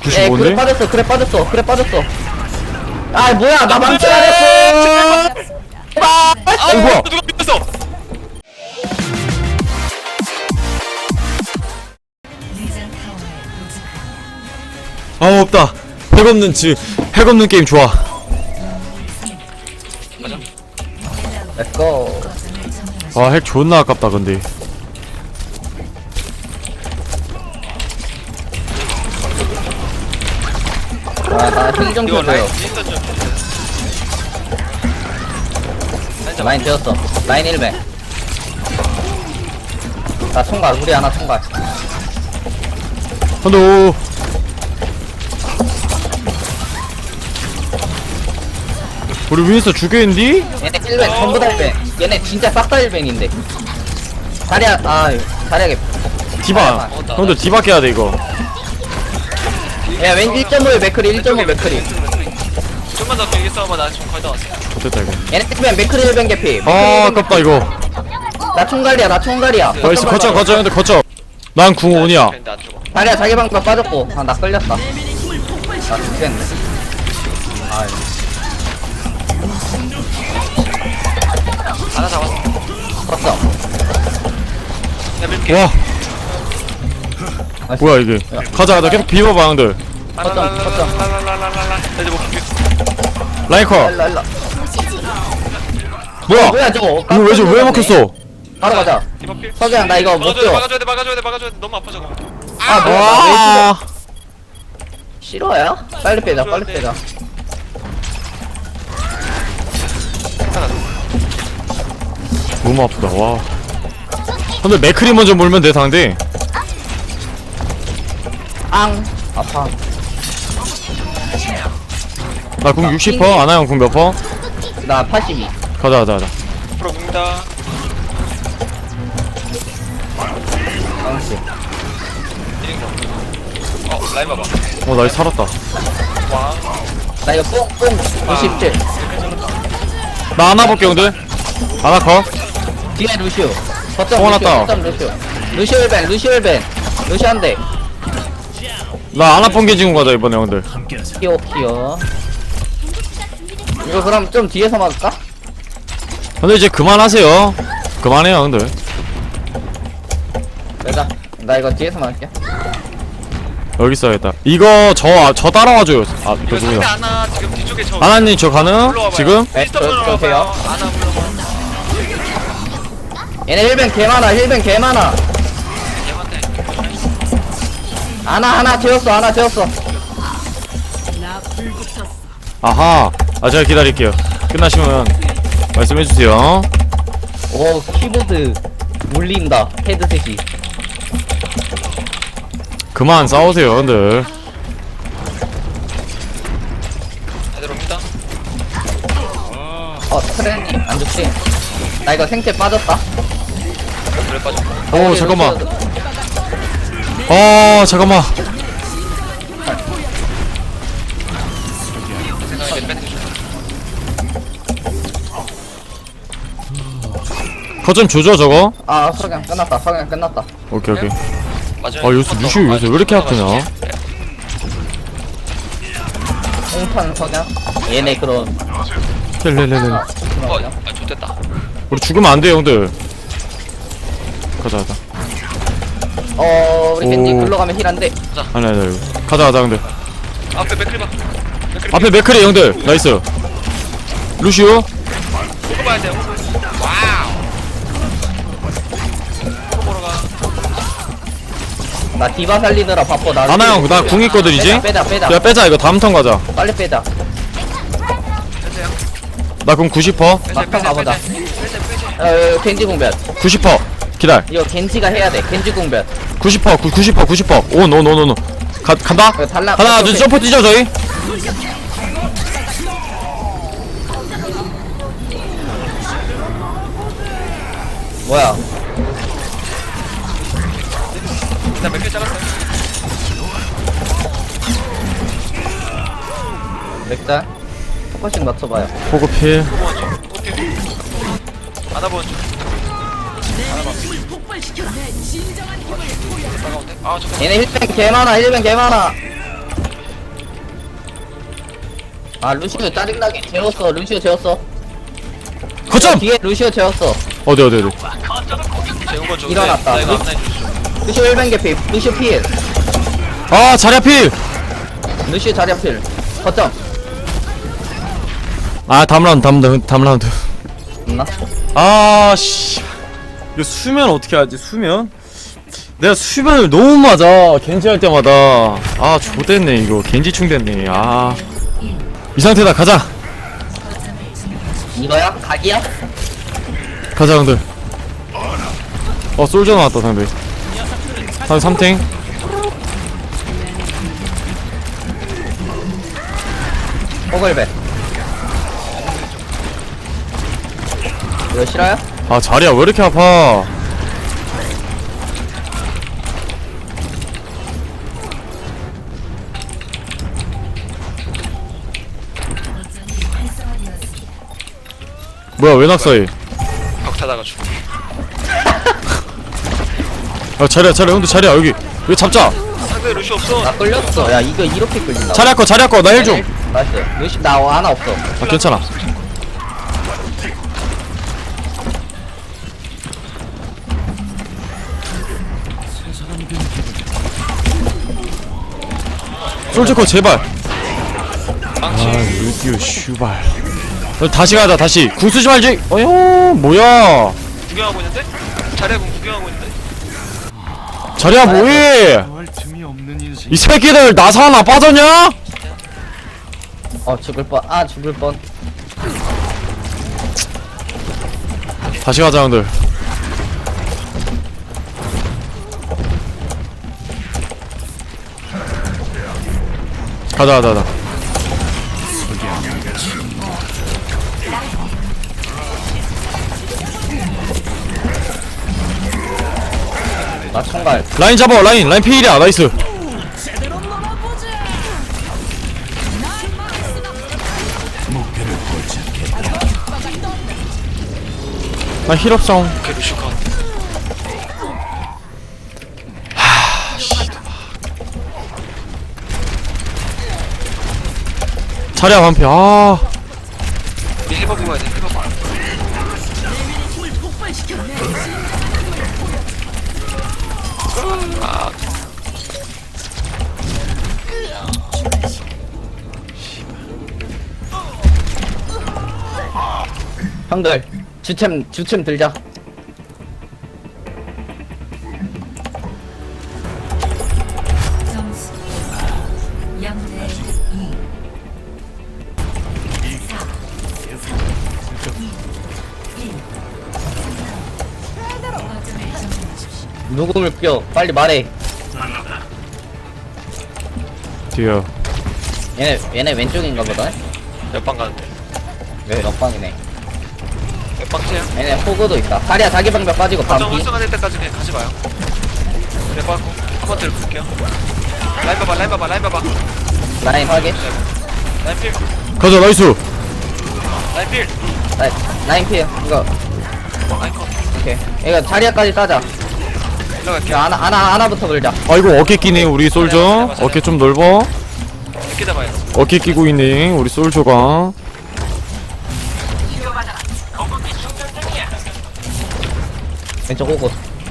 그래 95인데? 빠졌어 그래 빠졌어 그래 빠졌어. 아 뭐야 나 망치 안 했어. 아 뭐야? 누가 밀었어? 아 없다. 핵 없는 게임 좋아. 가자. 렛츠고. 와 핵 존나 아깝다 근데. 아나힐좀 이거 라인 줘줘요. 윈스턴 좀. 라인 잡아. 라인 되었어. 라인 1배. 나 총괄 우리 하나 총괄. 한도. 우리 윈스터 죽여있니? 얘네 1벤 전부 다 1벤. 얘네 진짜 싹 다 1벤인데. 자리야 자리하게. 디바. 형들 디바 깨야 돼 이거. 야 왠지 1.5에 맥크리 1.5 맥크리. 좀만 더 길게 싸워봐. 나 지금 거의 다 왔어. 좋됐다 이거. 얘네 1벤 맥크리 1벤 개피. 아 아깝다 이거. 나 총괄이야 나 총괄이야. 나이스 거쳐 형들 거쳐. 난 궁 5냐. 근데 안 죽어. 자리야 자기 방금 빠졌고. 아 나 끌렸다. 나 죽겠네. 아유. 하나 잡았어. 컸어. 야 밀게. 와 뭐야 이게. 가자 계속 비벼봐 형들. 라라라라라라라라라. 나 이제 못 볼게. 라이커. 일로. 뭐야 뭐야 저거? 이거 왜 먹혔어? 바로 가자. 디바 필. 석양 나 이거 못 줘. 막아줘야 돼. 너무 아파 저거. 아 뭐야? 와 싫어요? 빨리 빼자 빨리 빼자. 너무 아프다 와. 근데 맥크리 먼저 몰면 돼 상대. 앙 아파. 나 궁 60%, 아나형 궁 몇 퍼? 나 82. 가자. 프로 굽니다. 앙씨. 라인 봐봐. 나 살았다. 와. 나 이거 뽕 97. 나 하나 볼게 형들. 하나 커. 뒤에 루시오. 뽕 하나 따. 거점 루시오. 루시오 1벤 루시오 1벤. 루시오 한 대. 나 하나 뽕개 지금 가자 이번에 형들. 키오. 이거 그럼 좀 뒤에서 막을까? 근데 이제 그만하세요. 그만해요 형들. 내가 나 이거 뒤에서 막을게. 여기 있어야겠다. 이거 저 따라와줘요. 아 이거 상대 누구야? 아나 지금 뒤쪽에 저. 아나님 저 가능? 지금? 네, 윈스턴 돼요. 아나 불러봐. 얘네 1벤 개 많아. 1벤 개 많아. 얘한테. 하나 재웠어. 아하. 아 제가 기다릴게요. 끝나시면 말씀해주세요. 오 키보드 울린다. 헤드셋이. 그만 싸우세요 형들. 애들 옵니다. 트렌이 안 좋지? 나 이거 생체 빠졌다. 그래 빠져. 오 잠깐만. 잠깐만. 생각에 밴드 좀. 거점 조져 저거. 석양 끝났다. 오케이. 맞아요. 요새 루시오 요새 왜 이렇게 아프냐? 홍탄 석양. 얘네 그런. 렐렐렐렐. 좋됐다. 우리 죽으면 안 돼 형들. 가자. 우리 겐지 오. 글로 가면 힐한데. 아니 이거. 가자 형들. 앞에 맥클 봐. 앞에 맥크리 형들. 나이스. 루시오. 이거 봐야 돼요. 와우. 이거 보러 가. 나 디바 살리느라 바빠. 나 아나 형 나 궁 있거든 이제. 빼자. 야 빼자 이거 다음 턴 가자. 빨리 빼자. 빼세요. 나 궁 90%. 막판 가보자. 빼세. 겐지 공변. 90%. 기다려. 이거 겐지가 해야 돼. 겐지 공변. 90%. 오. 간다. 이거 달라. 하나 둘 점프 뛰죠 저희. 뭐야? 나 맥클 잘랐어요. 맥자. 포커싱 맞춰봐요. 포그필. 오케이. 하나 보는 중. 얘네 힐뱅 개 많아. 아 루시오 짜증나게 재웠어. 루시오 재웠어. 거점! 뒤에 루시오 재웠어. 어디 재운 건 좋은데 일어났다. 나 이거 앞라인 주시오. 루시오 1벤 개피. 루시오 필. 아 자리 앞필! 루시오 자리 앞필. 거점. 아 다음 라운드 있나? 아씨 이거 수면 어떻게 하지 수면? 내가 수면을 너무 맞아 겐지 할 때마다. 아 좋댔네 이거 겐지충 됐네. 아 이 상태다. 가자 이거야? 각이야? 가자 형들. 솔져 나왔다 상대. 한 3탱. 호글배. 이거 싫어요? 아 자리야 왜 이렇게 아파. 뭐야 왜 낙사해. 벽 타다가 죽어. 야 자리야 형들 자리야 여기 잡자. 상대 루시 없어. 나 끌렸어. 야 이거 이렇게 끌린다. 자리야 거 나 힐 좀. 나이스. 루시 나 하나 없어. 아 괜찮아. 솔직히 제발. 망치. 루디오 슈발. 다시 가자 다시. 궁 쓰지 말지. 어휴 뭐야. 구경하고 있는데? 자리야 공 구경하고 있는데? 자리야 뭐해. 이 새끼들 나사 하나 빠졌냐? 죽을 뻔. 아 죽을 뻔. 다시 가자 형들. 가자. 나 총갈. 라인 잡아. 라인 필이야. 나이스. 나 힐업성. 오케이 루시 컷. 자리야 반피. 아 우리 힐버브 가야 돼. 힐버브. 형들 주템 들자. 점수 0대 2 4 3 2 1 거점을 점령하십시오. 누구를 껴? 빨리 말해. 뒤에. 얘네 왼쪽인가 보다. 몇방 가는데? 왜 옆방이네. 몇방 채야? 얘네 호구도 있다. 다리야 자기 방벽 빠지고 거점 반피. 활성화될 때까지 그냥 가지 마요. 그래 빠고 한번 들고 볼게요. 라인 봐봐. 라인 확인. 라인 필. 가자 나이스. 라인 필. 라인 피해. 이거 라인 컷. 오케이. 이거 자리야까지 따자. 올라갈게요. 야, 하나부터 걸자. 아이고 어깨 끼네 우리 솔저. 어깨 좀 넓어. 이렇게 잡아요. 어깨 끼고 있네 우리 솔저가. 왼쪽 호구.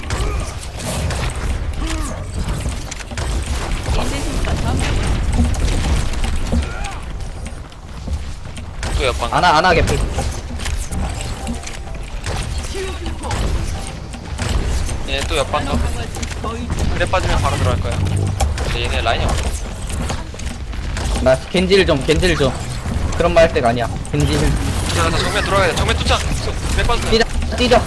또 옆방. 하나 개피. 얘네 또 옆방 가. 그래 빠지면 바로 들어갈 거야. 근데 얘네 라인이 없어. 나 겐지를 좀. 그런 말 할 때가 아니야. 겐지를. 자, 나 정면 들어가야 돼. 정면 투창. 그래 빠졌어. 뛰자.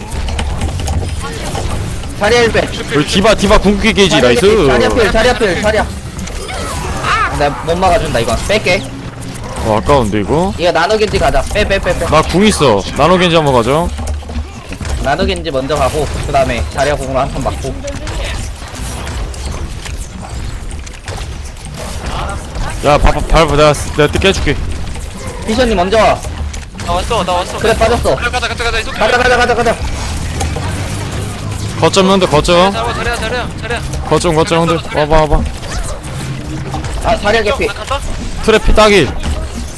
자리야 1배. 우리 디바 궁극기 게이지 나이스. 자리야. 나 못 막아준다 이거. 뺄게. 아까운데 이거. 이거 나노 겐지 가자. 빼. 나 궁 있어. 나노 겐지 한번 가죠. 나노 겐지 먼저 가고 그 다음에 자리야 공으로 한 턴 맞고. 야 밟아 내가 뜯게 해줄게. 피션님 먼저 와. 나 왔어. 그래 빠졌어. 그래 가자. 이속. 가자. 거점 형들 거점. 잡아 자리야. 거점 형들 와봐. 아 자리야 개피. 나 간다. 트래피 따기.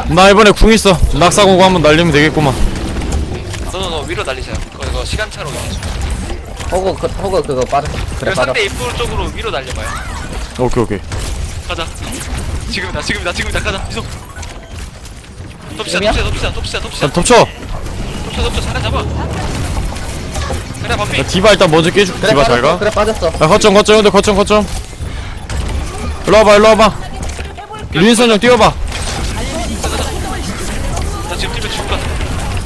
나 이번에 궁 있어. 낙사공고 한번 날리면 되겠구만. 너 위로 날리세요. 이거 시간차로. 호그 그거 빠져. 그래 그래 빠져. 상대 입구 쪽으로 위로 날려봐요. 오케이. 가자. 지금이다 가자. 이속. 의미야? 자, 덮쳐. 사람 잡아. 그래 반피. 야, 디바 일단 먼저 깨줄게. 그래 디바 잘 빠졌어. 가. 그래 빠졌어. 야, 거점. 일로 와봐. 윈선 형 뛰어봐. 나 지금 뛰면 죽을 것 같아.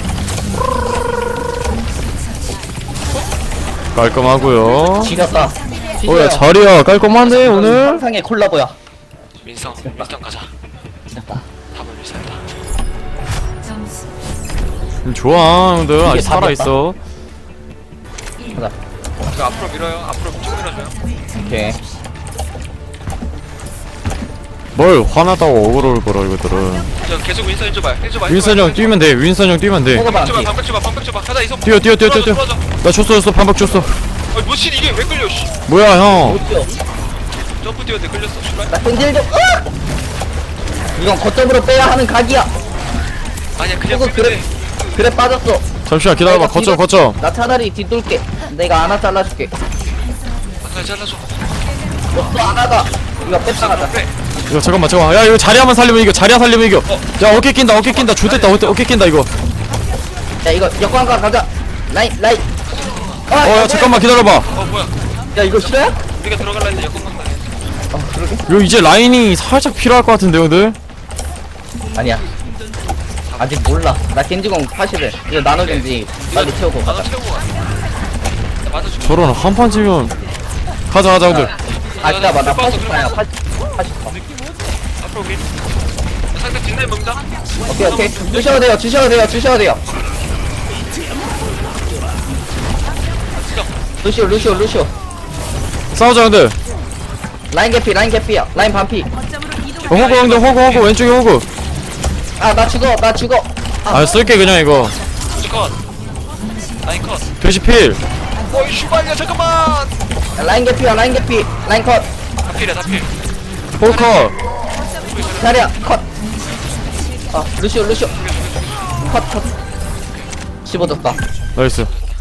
깔끔하고요. 지렸다. 오야 자리야 깔끔하네 오늘. 상상의 콜라보야. 민성 가자. 지렸다. 답을 미사이다. 점수 좋아 형들 아직 이게 살아있어. 가자. 이거 앞으로 밀어요. 앞으로 쭉 밀어줘요. 오케이. 뭘 화나다고 억울할 거라 이것들은. 저 계속 윈선 해줘봐요. 윈선 형 뛰면 돼. 호그 반피. 방벽 줘봐. 가자 이속. 뛰어. 들어와줘. 나 줬어 반박 줬어. 아니 뭐지 이게 왜 끌려? 씨. 뭐야 형. 못 뛰어. 점프 뛰었는데 끌렸어. 씨발. 나 끈질 좀. 이건 거점으로 빼야 하는 각이야. 아니야 그냥 호그 끌면 돼. 그래 빠졌어. 잠시만 기다려봐. 거점. 나 차라리 뒤돌게. 내가 하나 잘라줄게. 아 잘라줘. 또 하나다. 이거 뺐다 가자. 그래. 이거 잠깐만. 야 이거 자리야만 살리면 이겨. 야 어깨 낀다. 좋됐다. 어깨 낀다 이거. 야 이거 역광각 가자. 라인. 야 잠깐만 기다려봐. 뭐야? 야 이거 싫어요? 우리가 들어갈라 했는데 여권 간다. 그러게. 이거 이제 라인이 살짝 필요할 것 같은데 형들. 아니야. 아직 몰라. 나 겐지공 80을. 이거 나노 겐지 빨리 채우고 나도 가자. 채우고 가. 나 맞아줘. 저런 한판 지면 가자 형들. 아 기다려봐. 나 들어갔어, 80파야. 80파. 앞으로 밀. 상대 뒷라인 먹는다. 오케이. 주셔도 돼요. 루시오. 싸우자 형들. 라인 개피야. 라인 반피. 호구 형들 호구 왼쪽에 호구. 아 나 죽어. 아 쓸게 그냥 이거. 루시 컷. 라인 컷. 돼지 필. 어이 슈발이야 잠깐만. 라인 개피. 라인 컷. 다 필이야 다 필. 호커. 자리야 컷. 아 루시오. 컷. 15졌다. 나이스.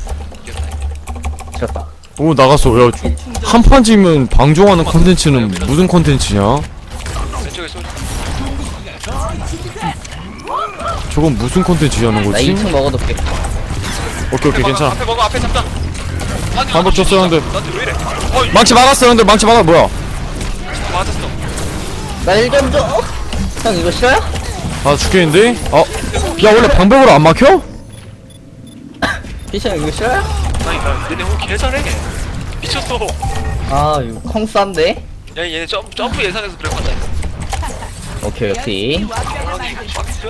졌다. 오 나갔어. 야 한판 지면 방종하는 컨텐츠는 무슨 컨텐츠냐? 왼쪽에 쏘. 저건 무슨 컨텐츠냐는 나 거지? 2층 먹어둘게. 오케이 괜찮아. 앞에 먹어 앞에 잡자. 아니, 반복 줬어, 형들. 나한테 왜 이래? 어이 망치 막았어 형들. 뭐야? 맞았어. 나 1점 줘. 형 이거 싫어요? 아 죽겠는데? 야 원래 방벽으로 안 막혀? 피션 이거 싫어요? 아니 나 얘네 오늘 개 잘해. 미쳤어. 아 이거 콩 싼데? 야 얘네 점프 예상해서 그래 맞아. 오케이. 아니 박스.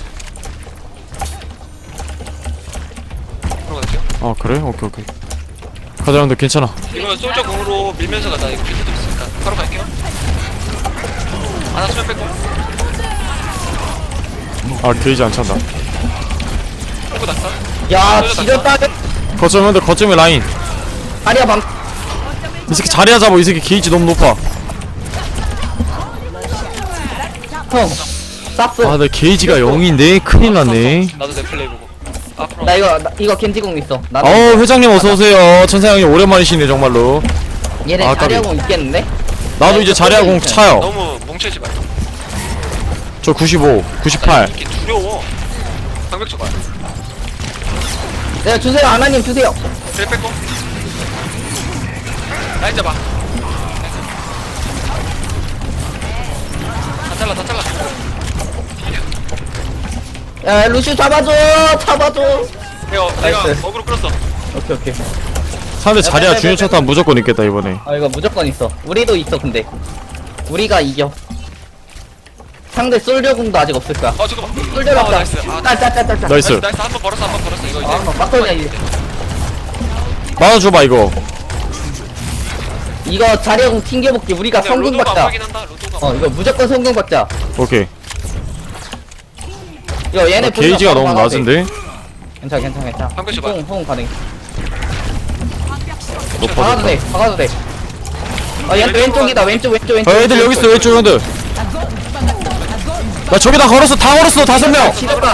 들어갈게요. 그래? 오케이. 가자 형들 괜찮아. 이거 솔저 공으로 밀면서 가자. 이거 비트도 있으니까 바로 갈게요. 하나 수면 뺏고. 게이지 안 찬다. 뺏고 낙사. 야 지렸다. 거점 형들 거점에 라인. 다리야 방. 이 새끼 자리야 잡아. 이 새끼 게이지 너무 높아. 형 쌉스. 내 게이지가 0인데 큰일 났네. 나도 내 플레이 보고. 앞으로. 나 이거 겐지공 있어. 나 회장님 어서오세요. 천사 형님 오랜만이시네 정말로. 얘네 아, 까비. 자리하고 있겠는데? 나도 이제 자리야 공 차요. 너무 뭉치지 마. 저 95, 98. 이게 두려워. 방벽 쳐봐. 네 주세요 아나님 주세요. 그래 뺏고. 라인 잡아. 다 잘라. 야 루시 잡아줘. 내가 나이스. 어그로 끌었어. 오케이. 상대 자리야 중요 차탄 무조건 있겠다 이번에. 이거 무조건 있어. 우리도 있어 근데. 우리가 이겨. 상대 솔저궁도 아직 없을 거야. 잠깐만. 솔저 잡자. 나이스. 딸. 나이스. 한번 벌었어. 이거 이제. 막걸리야 이제. 맞아줘봐 이거. 이거 자리하고 튕겨볼게. 우리가 그냥 성공 로도가 안 받자. 하긴 한다. 로도가. 이거 무조건 성공 받자. 오케이. 이거 얘네 게이지가 너무 막아도 돼. 낮은데. 괜찮아. 방금 줘봐. 호응 가능. 높아. 박아도 돼. 얘 왼쪽이다. 왼쪽. 애들 여기 있어 왼쪽 형들. 나 저기다 걸었어. 다 걸었어. 5명. 지렸다.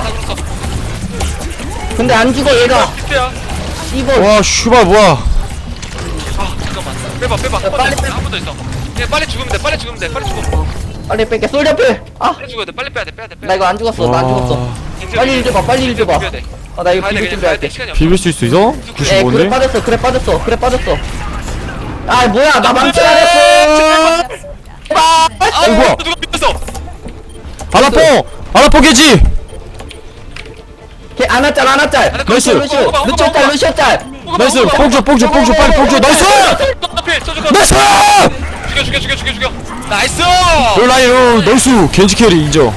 근데 안 죽어 얘가. 피야. 이거 와 슈발 뭐야. 아 잠깐만. 빼봐. 빨리 빼. 한번 더 있어. 그냥 빨리 죽으면 돼. 빨리 죽으면 돼. 빨리 죽어. 빨리 뺄게. 솔저필. 아, 빨리 죽어야 돼. 빨리 빼야 돼. 나 이거 안 죽었어. 나 안 죽었어. 빨리 일 줘봐. 빨리 일 줘봐. 비벼야 돼. 나 이거 가야 돼, 비빌 그냥 가야 준비할게. 돼. 시간이 없어. 비빌 수 있어? 에 그래 95인데? 빠졌어. 그래 빠졌어. 아 뭐야 나 망치 안 했어. 아 뭐야? 누가 빗었어? 아라포 개지. 걔 안았짤. 나이스. 루시오 짤. 나이스. 뽕줘 빨리 뽕줘. 나이스. 필 쳐주고. 나이스. 죽여. 나이스. 롤라이오 나이스. 겐지 캐리 인정.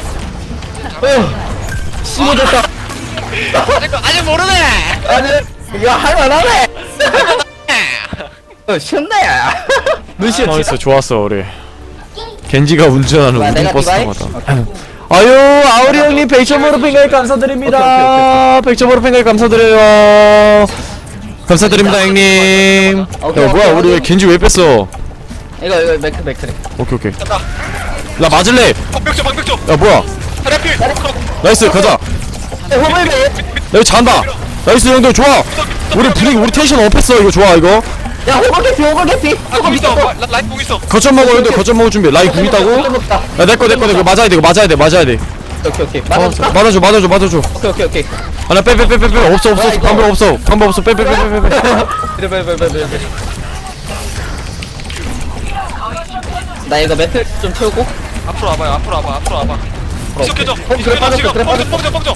심어졌다. 아직 모르네. 아니 야 할만하네. 쉽네. 루시오 나이스 좋았어 우리. 겐지가 운전하는 뭐야, 우등 내가 버스 디바이? 타마다. 아유 아우리 형님 100점으로 팽가입 감사드립니다. 100점으로 팽가입 감사드려요. 감사드립니다 형님. 오케이, 야 뭐야 오케이, 우리 왜 오케이. 겐지 왜 뺐어? 이거 맥크리. 오케이. 간다. 나 맞을래. 방벽 좀. 야 뭐야? 하나필. 나이스 가자. 호물배. 나 이거 잘한다. 나이스 형들 좋아. 우리 분위기 우리 텐션 업했어 이거 좋아 이거. 야 호물 개피. 공 있어. 라이트 공 있어. 거점 먹어 형들 거점 먹을 준비. 라인 궁 있다고? 야 내꺼 이거 맞아야 돼 오케이. 맞아줘. 오케이. 아나 빼 없어 방법 없어 빼. 나 이거 매트 좀 채우고. 앞으로 와봐. 계속해줘. 그래, 빠졌어. 뻥져.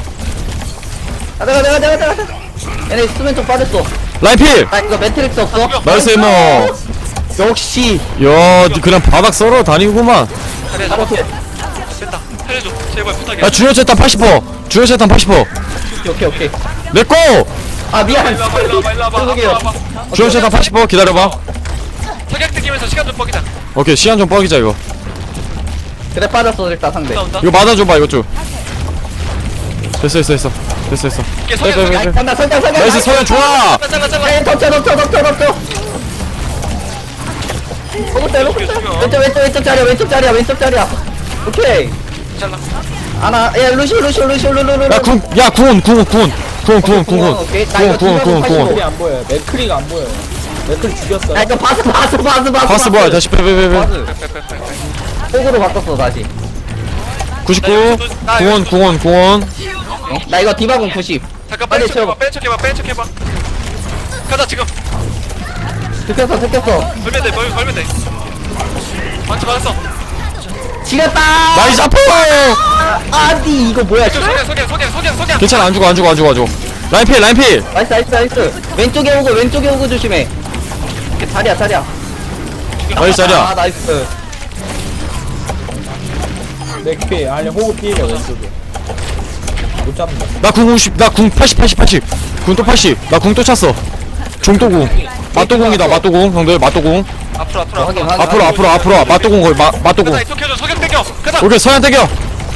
가자. 얘네 수면 좀 빠졌어. 라인 필. 나 이거 매트릭스 없어. 나이스 이모. 역시. 야, 니 그냥 바닥 썰어 다니구만. 잘해. 오케이. 됐다. 살려줘. 제발 부탁해. 야, 주요 채탄 80%. 주요 채탄 80%. 오케이. 내 거. 아 미안. 일로 와봐. 죄송해요. 앞으로 와봐. 주요 채탄 80% 기다려봐. 석양 뜯기면서 시간 좀 뻑이자. 오케이, 시간 좀 뻑이자 이거. 그래 빠졌어 일단 상대. 온다. 이거 맞아줘봐 이거 좀. 됐어. 이게 빼. 석양. 간다 설정. 나이스 서현 좋아. 잘라. 에이 덮쳐. 왼쪽 자리야. 오케이. 잘라. 아나 야 루시. 야, 구원. 오케이. 나 이거 구원. 안 보여요. 맥크리가 안 보여요. 맥크리 죽였어요. 아 이거 바스. 바스 뭐야? 다시 빼. 바스. 폭으로 바꿨어 다시. 99. 구원. 나 이거 디바공 90. 잠깐 빨리 뺀 척해봐. 가자 지금. 들켰어. 걸면 돼. 완전 맞았어. 지렸다. 나이스 아프. 아니 이거 뭐야? 석양. 괜찮아 안 죽어. 라인 필. 나이스. 왼쪽에 오고 조심해. 이렇게 자리야. 나이스 자리야. 아 나이스. 맥피 아니 호구 피해가 왼쪽에. 못 잡는다. 나궁 50. 나궁 80. 궁 또 80. 나 궁 또 찼어. 종도궁. 맞도궁이다. 형들 맞도궁. 앞으로. 확인. 앞으로. 맞도궁 거의 맞도궁. 가자 이쪽 켜줘. 석양 땡겨. 가자. 오케이 서현 땡겨.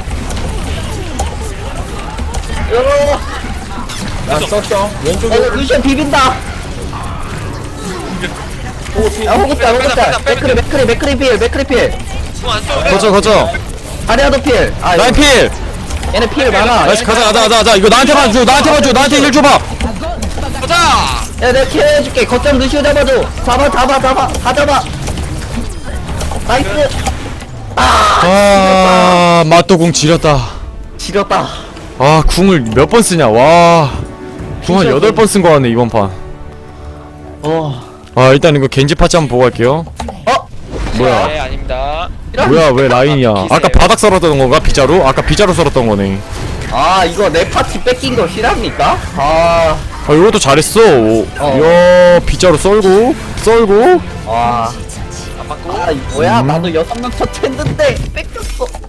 난 썼죠. 왼쪽에 이거 루시안 비빈다. 호구 피해. 야 호급자. 맥크리 필. 공안 써. 거쳐. 아리아도 필. 아 라인 필. 얘네 필 많아. 나이스 가자. 이거 나한테만 줘. 나한테 일 줘봐. 가자. 야 내가 케어해줄게. 거점 루시오 잡아줘. 잡아. 다 잡아. 나이스. 아 맞도궁 지렸다. 지렸다. 아 궁을 몇 번 쓰냐. 와. 궁 한 8번 쓴 거 같네 이번 판. 아 일단 이거 겐지 파츠 한번 보고 갈게요. 뭐야? 네 아닙니다. 뭐야 왜 라인이야? 아까 바닥 썰었던 건가 비자로? 아까 비자로 썰었던 거네. 아 이거 내 파티 뺏긴 거 실합니까? 아 이것도 잘했어. 이야 비자로 썰고. 와. 안 맞고. 아 뭐야 나도 6명 첫 했는데 뺏겼어.